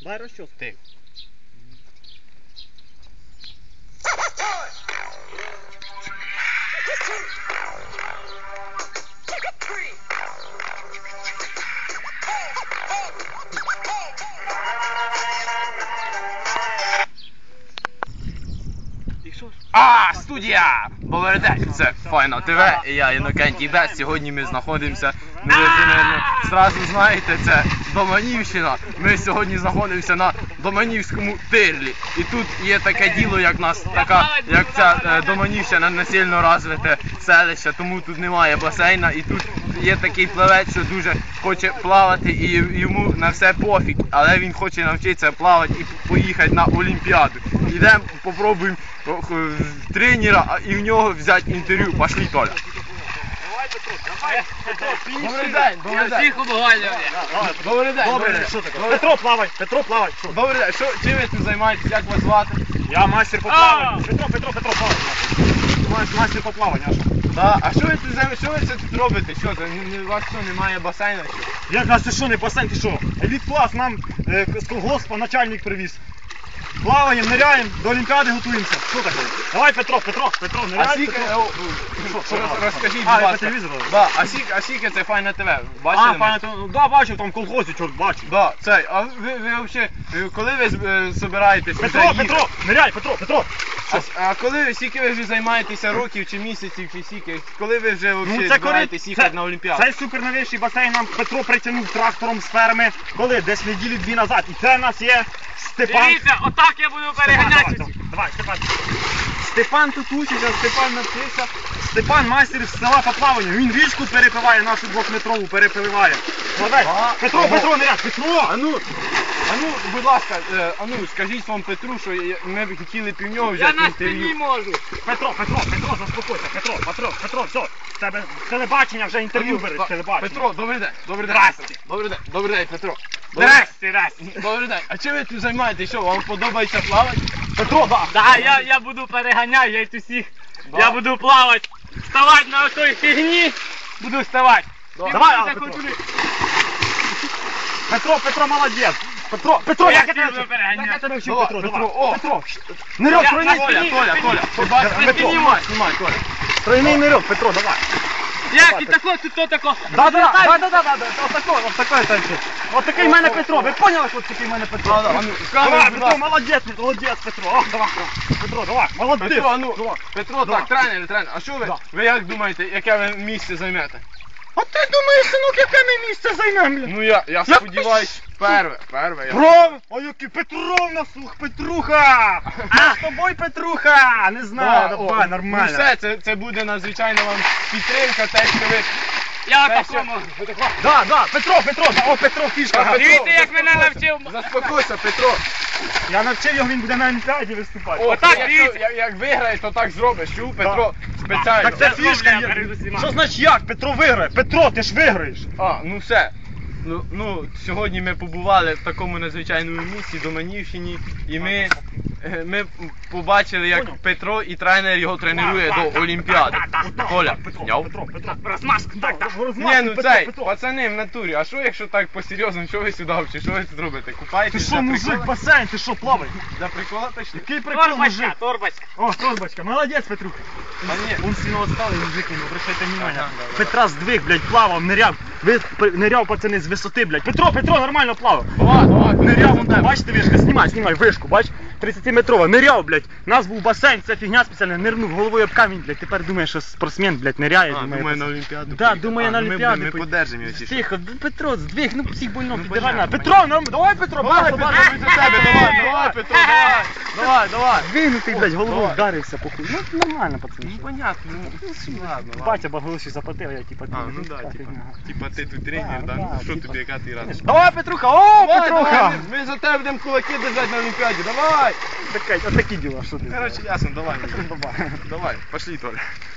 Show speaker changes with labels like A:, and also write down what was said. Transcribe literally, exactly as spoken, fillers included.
A: Дай розчос.
B: Ти. А, студія! Повернете, це Файна ТВ, і я Інокентій Бес. Сьогодні ми знаходимося, ну ви вже, наверно, зразу знаєте, це Доманівщина. Ми сьогодні знаходимося на Доманівському тирлі. І тут є таке діло, як нас, така, як ця е, Доманівщина, не сильно розвите селище, тому тут немає басейна. І тут є такий плавець, що дуже хоче плавати, і йому на все пофіг, але він хоче навчитися плавати і поїхати на Олімпіаду. Ідемо, попробуємо тренера і в нього взяти інтерв'ю. Пошли, Толя.
A: Давай, Петро, давай. Петро,
B: Добрий день, добрий день.
A: всіх обговорюю.
B: Добрий день.
A: Добрий день, що таке? Петро, плавай, Петро, плавай.
B: Добрий день, що, чим ви тут займаєтесь, як вас звати?
A: Я мастер по плаванню. Петро, Петро, Петро, плавай. Мастер по плаванню, а що?
B: Да. А що ви тут займаєтесь, що ви це тут робите? Що це, ні- у вас що, немає басейну? Що?
A: Як нас, ти що, не басейн, ти що? Еліт-клас нам е, з колгоспа начальник привіз. Плаваємо, ниряємо, до Олімпіади готуємося. Що таке? Давай, Петро, Петро, Петро,
B: А
A: ниряй.
B: скільки,
A: Петро.
B: о,
A: Що,
B: що,
A: що,
B: роз-
A: що?
B: розкажіть,
A: А,
B: будь
A: я по
B: ласка.
A: телевізору?
B: Да, а скільки, а скільки це Файна ТВ? Бачили?
A: А,
B: ми?
A: пане, то, да, бачив, там в колхозі, чорт, бачу.
B: Да, цей, а ви, ви взагалі, коли ви е, збираєтесь
A: Петро,
B: вже їхати?
A: Петро, ниряй, Петро, Петро.
B: А, а коли ви, скільки ви вже займаєтеся років чи місяців, чи скільки? Коли ви вже взагалі
A: Ну, це
B: збираєтесь
A: коли-
B: їхати
A: це-
B: на Олімпіаду?
A: Цей суперновіший басейн нам Петро притягнув трактором з ферми, коли? Десь неділі дві назад. І це в нас є Степан.
C: Дивіться, отак я буду
A: Степан,
C: переганяти.
A: давай, давай, Степан. Степан тут учиться, Степан навчився. Степан майстер з села по плаванню. Він річку перепливає, нашу двохметрову перепливає. Молодець.
B: А,
A: Петро,
B: ого.
A: Петро, не ряд, Петро!
B: А ну, а ну, будь ласка, е, а ну, скажіть вам Петру, що я- ми б хотіли пів нього
C: Я
B: взяти
C: на спині
B: інтерв'ю.
C: можу.
A: Петро, Петро, Петро, заспокойся, Петро, Петро, Петро, все. В тебе телебачення вже
B: А
A: інтерв'ю
B: ну,
A: береш,
B: так,
A: телебачення.
B: Петро, добрий день, добрий день.
A: Здрасте.
B: Петро. Добрий день, добрий день, Петро. Добрий
A: Здрасте, здрасте.
B: день. Добрий день. А чим ви тут займаєтесь? Що, вам подобається плавати?
A: Петро, да.
C: Да, я, я буду переганяти, я їх усіх.
B: Да.
C: Я буду плавати. Вставати на отой фігні. Буду вставати.
B: Да.
C: Ти
A: Давай,
C: будете
A: а, Петро.
C: хоч туди.
A: Петро, Петро, молодець. Петро, Петро,
C: Я
A: як я
C: тебе
A: тебе
C: буду переганяти.
A: Як я тебе вчив,
B: Давай,
A: Петро,
B: Петро,
A: давай.
B: о.
A: Петро, нирьок,
C: Я-
A: тройний,
C: на
B: Толя,
C: спині,
B: Толя,
C: на
B: Толя.
C: спині.
B: Побачите,
A: Петро.
B: Петро, знімай, знімай, Толя.
A: тройний нирьок, Петро, давай.
C: Як і тако, тут то тако.
A: Да, да, да, да, да, да, да, отакой, отакой танчик. Отакий в мене Петро, ви поняли, що такий в мене Петро?
B: А, да, а ну,
A: Давай,
B: камеру, будь
A: Петро,
B: ласка.
A: молодець, молодець, Петро. О, давай, Петро, давай, молодець.
B: Петро, а ну,
A: Давай.
B: Петро,
A: Давай.
B: так, тренер, тренер, а що ви,
A: Да.
B: ви як думаєте, яке ви місце займете?
A: А ти думаєш, синок, яке ми місце займемо, бля?
B: Ну я, я
A: Я-
B: сподіваюсь, перше, перше. я-
A: Пров! Ой, який Петровна, слух, Петруха! А з тобою, Петруха! Не знаю,
B: Да, о,
A: давай,
B: Ну
A: нормально.
B: все, це, це буде надзвичайно вам підтримка, те, що ви...
C: Я
B: те,
C: тако
B: що-
C: можу.
A: Да, да, Петро, Петро, да, о, Петро, фішка.
B: Петро,
C: Дивіться, як мене
B: заспокойся.
C: навчив.
B: Заспокойся, Петро.
A: Я навчив його, він буде на Олімпіаді виступати.
B: О,
C: Отак,
B: як,
C: дивіться.
B: як, як виграєш, то так зробиш. Чув, Петро, спеціально.
A: Так це
C: Я
A: фішка
C: зроблю, я
A: є.
C: перед усіма.
A: Що значить як? Петро виграє. Петро, ти ж виграєш.
B: А, ну все. Ну, ну, сьогодні ми побували в такому надзвичайному місці, Доманівщині, і ми, е, ми побачили, як
A: Поняв.
B: Петро і тренер його тренує до Олімпіади. Коля,
A: Петро,
B: зняв?
A: Петро, Петро.
C: Розмашку.
A: Так, так,
B: Ні,
A: розмахуй,
B: ну
A: Петро,
B: цей,
A: Петро.
B: пацани в натурі, а що якщо так по-серйозному, що ви сюди взагалі, що ви тут робите?
A: Ти
B: Купаєтесь
A: що,
B: для
A: мужик,
B: прикола?
A: басейн, ти що, плавай?
B: Для прикола точно?
A: Який прикол,
C: Торбочка,
A: мужик?
C: торбочка.
A: О, торбочка, молодець, Петрух.
B: А ні.
A: Он сильно отсталый мужик, не обращайте внимания.
B: Ага, да, да.
A: Петра здвиг, блядь, плавав, ниряв. Ви п- ниряв, пацани, з висоти, блядь. Петро, Петро, нормально плавав.
B: Давай, давай,
A: Ниряв,
B: Петро,
A: вон там, бачите, вишка, знімай, знімай, вишку, бач? тридцятиметрова, ниряв, блядь. У нас був басейн, це фігня спеціальна, нирнув головою об камінь, блядь. Тепер думає, що спортсмен, блядь, ниряє.
B: А, думаю,
A: пацан.
B: на Олімпіаду
A: Да,
B: поїде.
A: думає
B: А,
A: на
B: ну ми
A: Олімпіаду.
B: будемо- ми
A: поїде.
B: подержимо його, чи що?
A: Тихо, ну, Петро, здвиг, ну всіх больно,
B: Ну,
A: піддавай на.
B: понятно,
A: Петро, ну, давай, Петро,
B: Давай,
A: багато,
B: Петро,
A: багато.
B: ми за тебе, давай, давай, Петро, давай, давай, давай.
A: Двигнутий, блядь, головою
B: Давай.
A: вдарився, похуй. Ну, нормально, пацани.
B: Ну, понятно, ну, ладно, ладно.
A: Батя багалоші заплатив, я типа
B: А, ну
A: ну,
B: да,
A: так,
B: типа,
A: ага.
B: типа ти тут тренер,
A: Да,
B: да?
A: да,
B: Ну, що
A: типа.
B: тобі, яка ти рада?
A: Давай, Петруха, о,
B: Давай,
A: Петруха!
B: давай, ми, ми за тебе будемо кулаки держати на Олімпіаді, давай!
A: Таке, отакі діла, що ти?
B: Короче, ясно, давай.
A: Давай.
B: Давай, пошли, Толя.